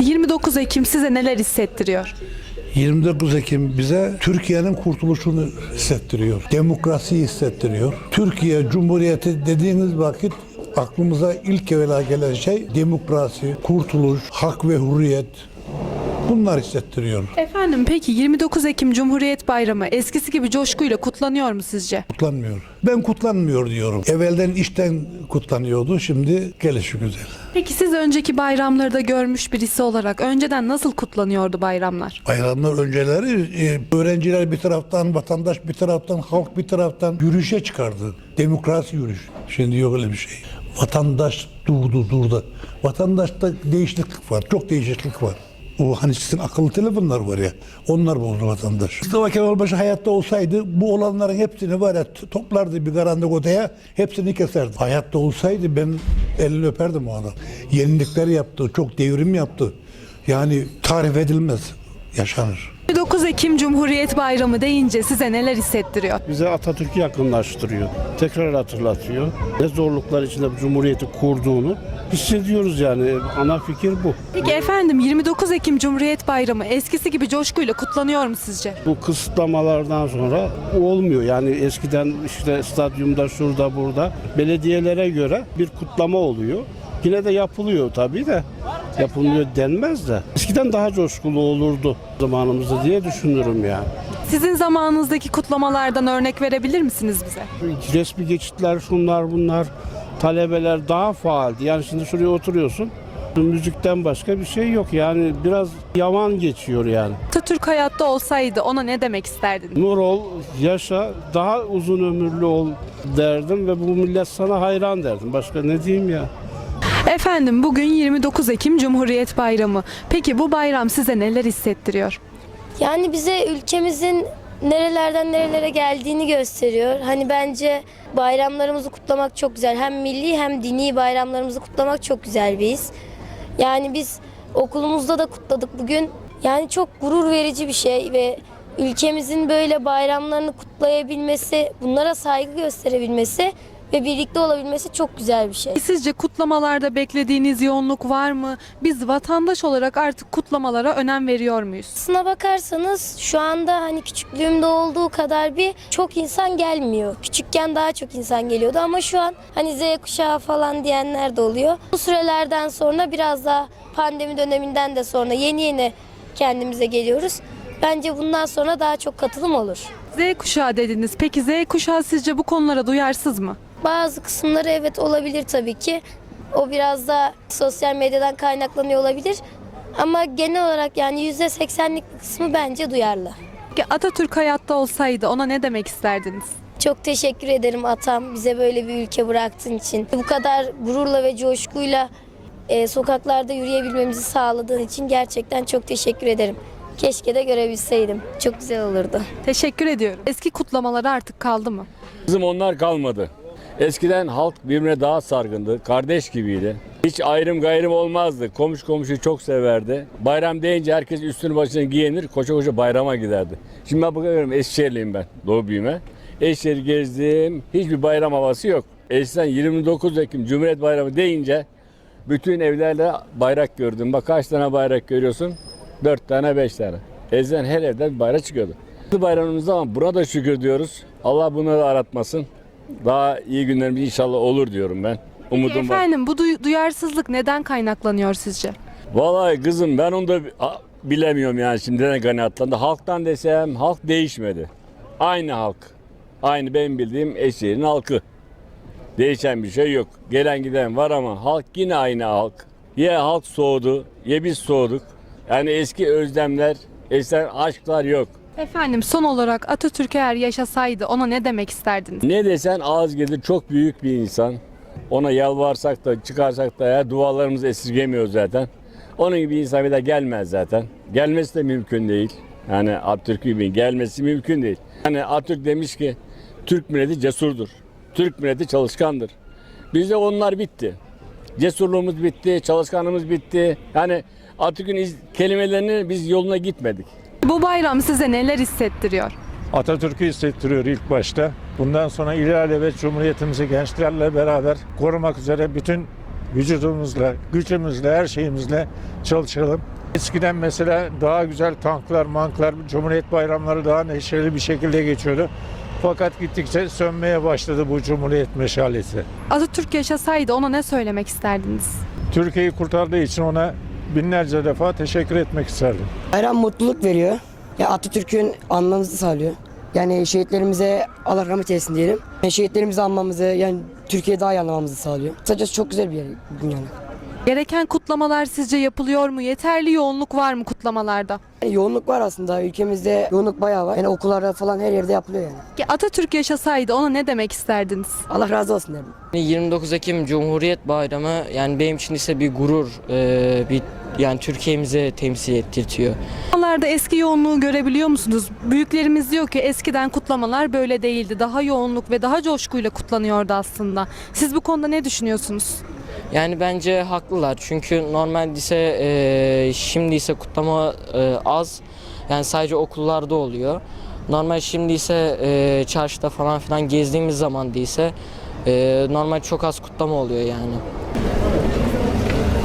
29 Ekim size neler hissettiriyor? 29 Ekim bize Türkiye'nin kurtuluşunu hissettiriyor. Demokrasiyi hissettiriyor. Türkiye Cumhuriyeti dediğiniz vakit aklımıza ilk evvela gelen şey demokrasi, kurtuluş, hak ve hürriyet. Bunlar hissettiriyor. Efendim peki 29 Ekim Cumhuriyet Bayramı eskisi gibi coşkuyla kutlanıyor mu sizce? Kutlanmıyor. Ben kutlanmıyor diyorum. Evvelden işten kutlanıyordu, şimdi gelişi güzel. Peki siz önceki bayramları da görmüş birisi olarak önceden nasıl kutlanıyordu bayramlar? Bayramlar önceleri öğrenciler bir taraftan, vatandaş bir taraftan, halk bir taraftan yürüyüşe çıkardı. Demokrasi yürüyüşü. Şimdi yok öyle bir şey. Vatandaş durdu. Vatandaşta değişiklik var, çok değişiklik var. O hani sizin akıllı telefonlar var ya, onlar bozdu vatandaş. Mustafa Kemal Paşa hayatta olsaydı bu olanların hepsini var ya toplardı bir karanlık odaya, hepsini keserdi. Hayatta olsaydı ben elini öperdim o adam. Yenilikler yaptı, çok devrim yaptı. Yani tarif edilmez, yaşanır. 29 Ekim Cumhuriyet Bayramı deyince size neler hissettiriyor? Bize Atatürk'ü yakınlaştırıyor. Tekrar hatırlatıyor. Ne zorluklar içinde bu Cumhuriyeti kurduğunu hissediyoruz yani. Ana fikir bu. Peki efendim 29 Ekim Cumhuriyet Bayramı eskisi gibi coşkuyla kutlanıyor mu sizce? Bu kısıtlamalardan sonra olmuyor. Yani eskiden işte stadyumda, şurada, burada belediyelere göre bir kutlama oluyor. Yine de yapılıyor tabii de. Yapılmıyor denmez de. Eskiden daha coşkulu olurdu zamanımızda diye düşünürüm yani. Sizin zamanınızdaki kutlamalardan örnek verebilir misiniz bize? Resmi geçitler, şunlar bunlar, talebeler daha faaldi. Yani şimdi şuraya oturuyorsun, müzikten başka bir şey yok. Yani biraz yaman geçiyor yani. Atatürk hayatta olsaydı ona ne demek isterdiniz? Nur ol, yaşa, daha uzun ömürlü ol derdim ve bu millet sana hayran derdim. Başka ne diyeyim ya? Efendim bugün 29 Ekim Cumhuriyet Bayramı. Peki bu bayram size neler hissettiriyor? Yani bize ülkemizin nerelerden nerelere geldiğini gösteriyor. Hani bence bayramlarımızı kutlamak çok güzel. Hem milli hem dini bayramlarımızı kutlamak çok güzel bir his. Yani biz okulumuzda da kutladık bugün. Yani çok gurur verici bir şey ve ülkemizin böyle bayramlarını kutlayabilmesi, bunlara saygı gösterebilmesi ve birlikte olabilmesi çok güzel bir şey. Sizce kutlamalarda beklediğiniz yoğunluk var mı? Biz vatandaş olarak artık kutlamalara önem veriyor muyuz? Aslına bakarsanız şu anda hani küçüklüğümde olduğu kadar bir çok insan gelmiyor. Küçükken daha çok insan geliyordu ama şu an hani Z kuşağı falan diyenler de oluyor. Bu sürelerden sonra biraz daha pandemi döneminden de sonra yeni kendimize geliyoruz. Bence bundan sonra daha çok katılım olur. Z kuşağı dediniz. Peki Z kuşağı sizce bu konulara duyarsız mı? Bazı kısımları evet olabilir tabii ki. O biraz da sosyal medyadan kaynaklanıyor olabilir. Ama genel olarak yani %80'lik bir kısmı bence duyarlı. Peki Atatürk hayatta olsaydı ona ne demek isterdiniz? Çok teşekkür ederim atam bize böyle bir ülke bıraktığın için. Bu kadar gururla ve coşkuyla sokaklarda yürüyebilmemizi sağladığın için gerçekten çok teşekkür ederim. Keşke de görebilseydim. Çok güzel olurdu. Teşekkür ediyorum. Eski kutlamaları artık kaldı mı? Kızım onlar kalmadı. Eskiden halk birbirine daha sargındı, kardeş gibiydi. Hiç ayrım gayrım olmazdı. Komşu komşuyu çok severdi. Bayram deyince herkes üstünü başına giyinir, koşa koşa bayrama giderdi. Şimdi ben bakıyorum, Eskişehirliyim ben, doğu büyüme. Eskişehir'i gezdim, hiçbir bayram havası yok. Eskiden 29 Ekim Cumhuriyet Bayramı deyince bütün evlerde bayrak gördüm. Bak kaç tane bayrak görüyorsun? 4 tane, 5 tane. Eskiden her evden bir bayrak çıkıyordu. Bu bayramımızda ama buna da şükür diyoruz. Allah bunu da aratmasın. Daha iyi günlerimiz inşallah olur diyorum ben. Umudum var. Efendim bu duyarsızlık neden kaynaklanıyor sizce? Vallahi kızım ben onu da bilemiyorum yani şimdiden kanaatlandı. Halktan desem halk değişmedi. Aynı halk. Aynı benim bildiğim Eskişehir'in halkı. Değişen bir şey yok. Gelen giden var ama halk yine aynı halk. Ya halk soğudu ya biz soğuduk. Yani eski özlemler, eski aşklar yok. Efendim son olarak Atatürk eğer yaşasaydı ona ne demek isterdiniz? Ne desen az gelir, çok büyük bir insan. Ona yalvarsak da çıkarsak da ya dualarımızı esirgemiyor zaten. Onun gibi insan bir de gelmez zaten. Gelmesi de mümkün değil. Yani Atatürk gibi gelmesi mümkün değil. Yani Atatürk demiş ki Türk milleti cesurdur. Türk milleti çalışkandır. Bizde onlar bitti. Cesurluğumuz bitti, çalışkanlığımız bitti. Yani Atatürk'ün kelimelerini biz yoluna gitmedik. Bu bayram size neler hissettiriyor? Atatürk'ü hissettiriyor ilk başta. Bundan sonra ilelebet Cumhuriyetimizi gençlerle beraber korumak üzere bütün vücudumuzla, gücümüzle, her şeyimizle çalışalım. Eskiden mesela daha güzel tanklar, manklar, Cumhuriyet bayramları daha neşeli bir şekilde geçiyordu. Fakat gittikçe sönmeye başladı bu Cumhuriyet meşalesi. Atatürk yaşasaydı ona ne söylemek isterdiniz? Türkiye'yi kurtardığı için ona binlerce defa teşekkür etmek isterdim. Bayram mutluluk veriyor. Ya Atatürk'ün anmamızı sağlıyor. Yani şehitlerimize Allah rahmet eylesin diyelim. Yani şehitlerimizi anmamızı, yani Türkiye'yi daha iyi anlamamızı sağlıyor. Kısacası çok güzel bir yer bugün yani. Gereken kutlamalar sizce yapılıyor mu? Yeterli yoğunluk var mı kutlamalarda? Yani yoğunluk var aslında. Ülkemizde yoğunluk bayağı var. Yani okullarda falan her yerde yapılıyor yani. Atatürk yaşasaydı ona ne demek isterdiniz? Allah razı olsun derim. 29 Ekim Cumhuriyet Bayramı yani benim için ise bir gurur, bir yani Türkiye'mizi temsil ettirtiyor. Kutlamalarda eski yoğunluğu görebiliyor musunuz? Büyüklerimiz diyor ki eskiden kutlamalar böyle değildi. Daha yoğunluk ve daha coşkuyla kutlanıyordu aslında. Siz bu konuda ne düşünüyorsunuz? Yani bence haklılar çünkü normalde ise şimdi ise kutlama az, yani sadece okullarda oluyor. Normal şimdi ise çarşıda falan filan gezdiğimiz zaman değilse normal çok az kutlama oluyor yani.